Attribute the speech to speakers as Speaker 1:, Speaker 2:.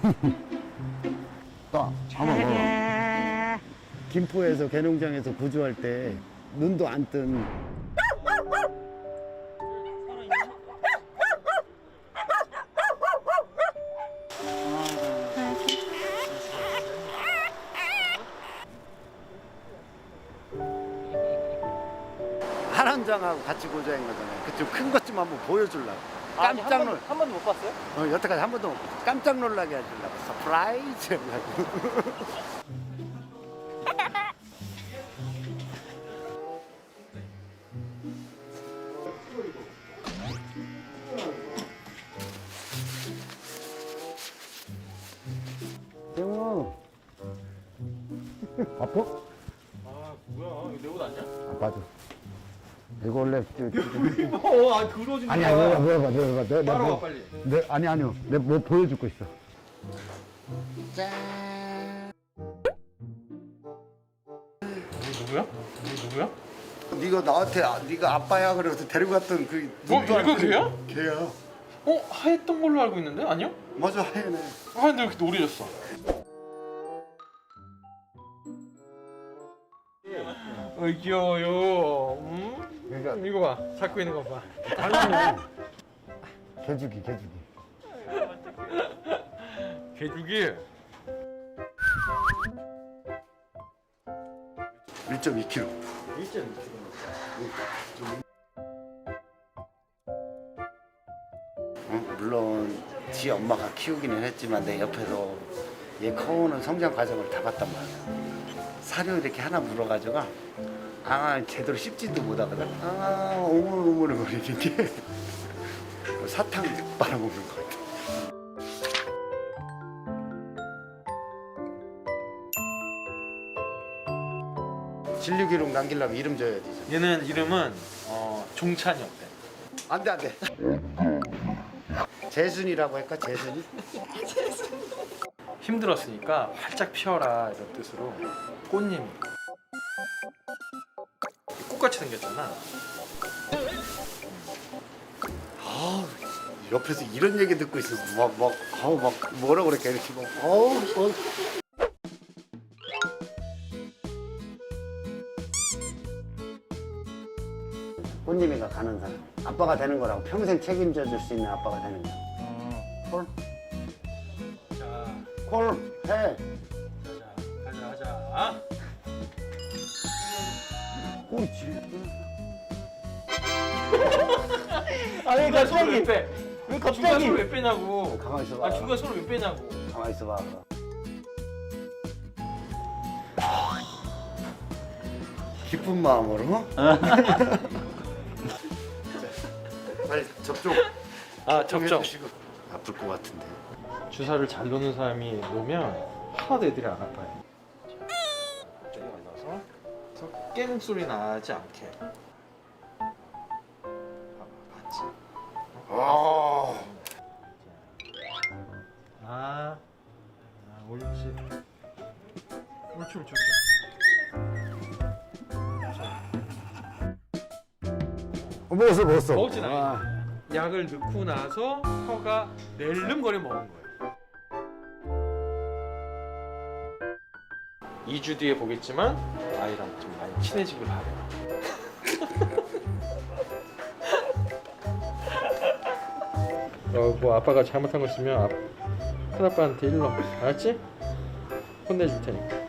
Speaker 1: 또 한번 먹어. 김포에서 개농장에서 구조할 때 눈도 안 뜬 한원장하고 같이 구조한 거잖아요. 그 좀 큰 것 좀 한번 보여주려고. 깜짝 놀.
Speaker 2: 한 번도 못 봤어요?
Speaker 1: 여태까지 한 번도 못 봤어. 깜짝 놀라게 해주려고. 서프라이즈 하려고. 대웅아 아파?
Speaker 2: 아 뭐야 이거 내 옷 아니야?
Speaker 1: 아파도 이거 원래
Speaker 2: 아 그러지 마.
Speaker 1: 아니야 내가
Speaker 2: 따라와 빨리.
Speaker 1: 아니요 내가 뭐 보여줄 거 있어. 짠.
Speaker 2: 누구야? 누구야?
Speaker 1: 네가 나한테 네가 아빠야 그래서 데리고 갔던 그
Speaker 2: 뭐 이거 걔야?
Speaker 1: 걔야.
Speaker 2: 하였던 걸로 알고 있는데 아니야?
Speaker 1: 맞아 하얘네.
Speaker 2: 하얀데 왜 이렇게 노래졌어? 귀여워요.
Speaker 1: 그러니까
Speaker 2: 이거 봐. 잡고 있는 거 봐.
Speaker 1: 당연히 개주기
Speaker 2: 개죽이.
Speaker 1: 1.2kg.
Speaker 2: 1.2kg.
Speaker 1: 물론 지 엄마가 키우기는 했지만 내 옆에서 얘 커오는 성장 과정을 다 봤단 말이야. 사료 이렇게 하나 물어가지고 제대로 씹지도 못하거든. 오물오물 거리는 게 사탕 빨아먹는 것 같아. 진류기록 남기려면 이름 줘야 되죠.
Speaker 2: 얘는 이름은 종찬이 어때?
Speaker 1: 안돼. 재순이라고 할까? 재순이?
Speaker 2: 힘들었으니까 활짝 피어라 이런 뜻으로 꽃님이 꽃같이 생겼잖아.
Speaker 1: 옆에서 이런 얘기 듣고 있어서 막 뭐라 그럴까 이렇게 막 꽃님이가 가는 사람 아빠가 되는 거라고 평생 책임져 줄 수 있는 아빠가 되는 거야. 콜?
Speaker 2: 자,
Speaker 1: 콜 해.
Speaker 2: 가자.
Speaker 1: 옳지.
Speaker 2: 아니 갑자기 왜 빼? 왜 갑자기 중간 왜 빼냐고.
Speaker 1: 가만히 있어봐.
Speaker 2: 중간 소리 왜 빼냐고.
Speaker 1: 가만히 있어봐. 기쁜 마음으로. 빨리 접종.
Speaker 2: 접종.
Speaker 1: 아플 것 같은데.
Speaker 2: 주사를 잘 놓는 사람이 놓으면 하나도 애들이 안 아파요. 자, 여기 올라서 깨물 소리 나지 않게. 봤지? 옳지. 옳지.
Speaker 1: 먹었어.
Speaker 2: 먹었지 나. 약을 넣고 나서 혀가 낼름거려 먹은 거예요. 2주 뒤에 보겠지만 아이랑 좀 많이 친해지길 바래요. 뭐 아빠가 잘못한 거 있으면 큰아빠한테 일러. 알았지? 혼내줄 테니까.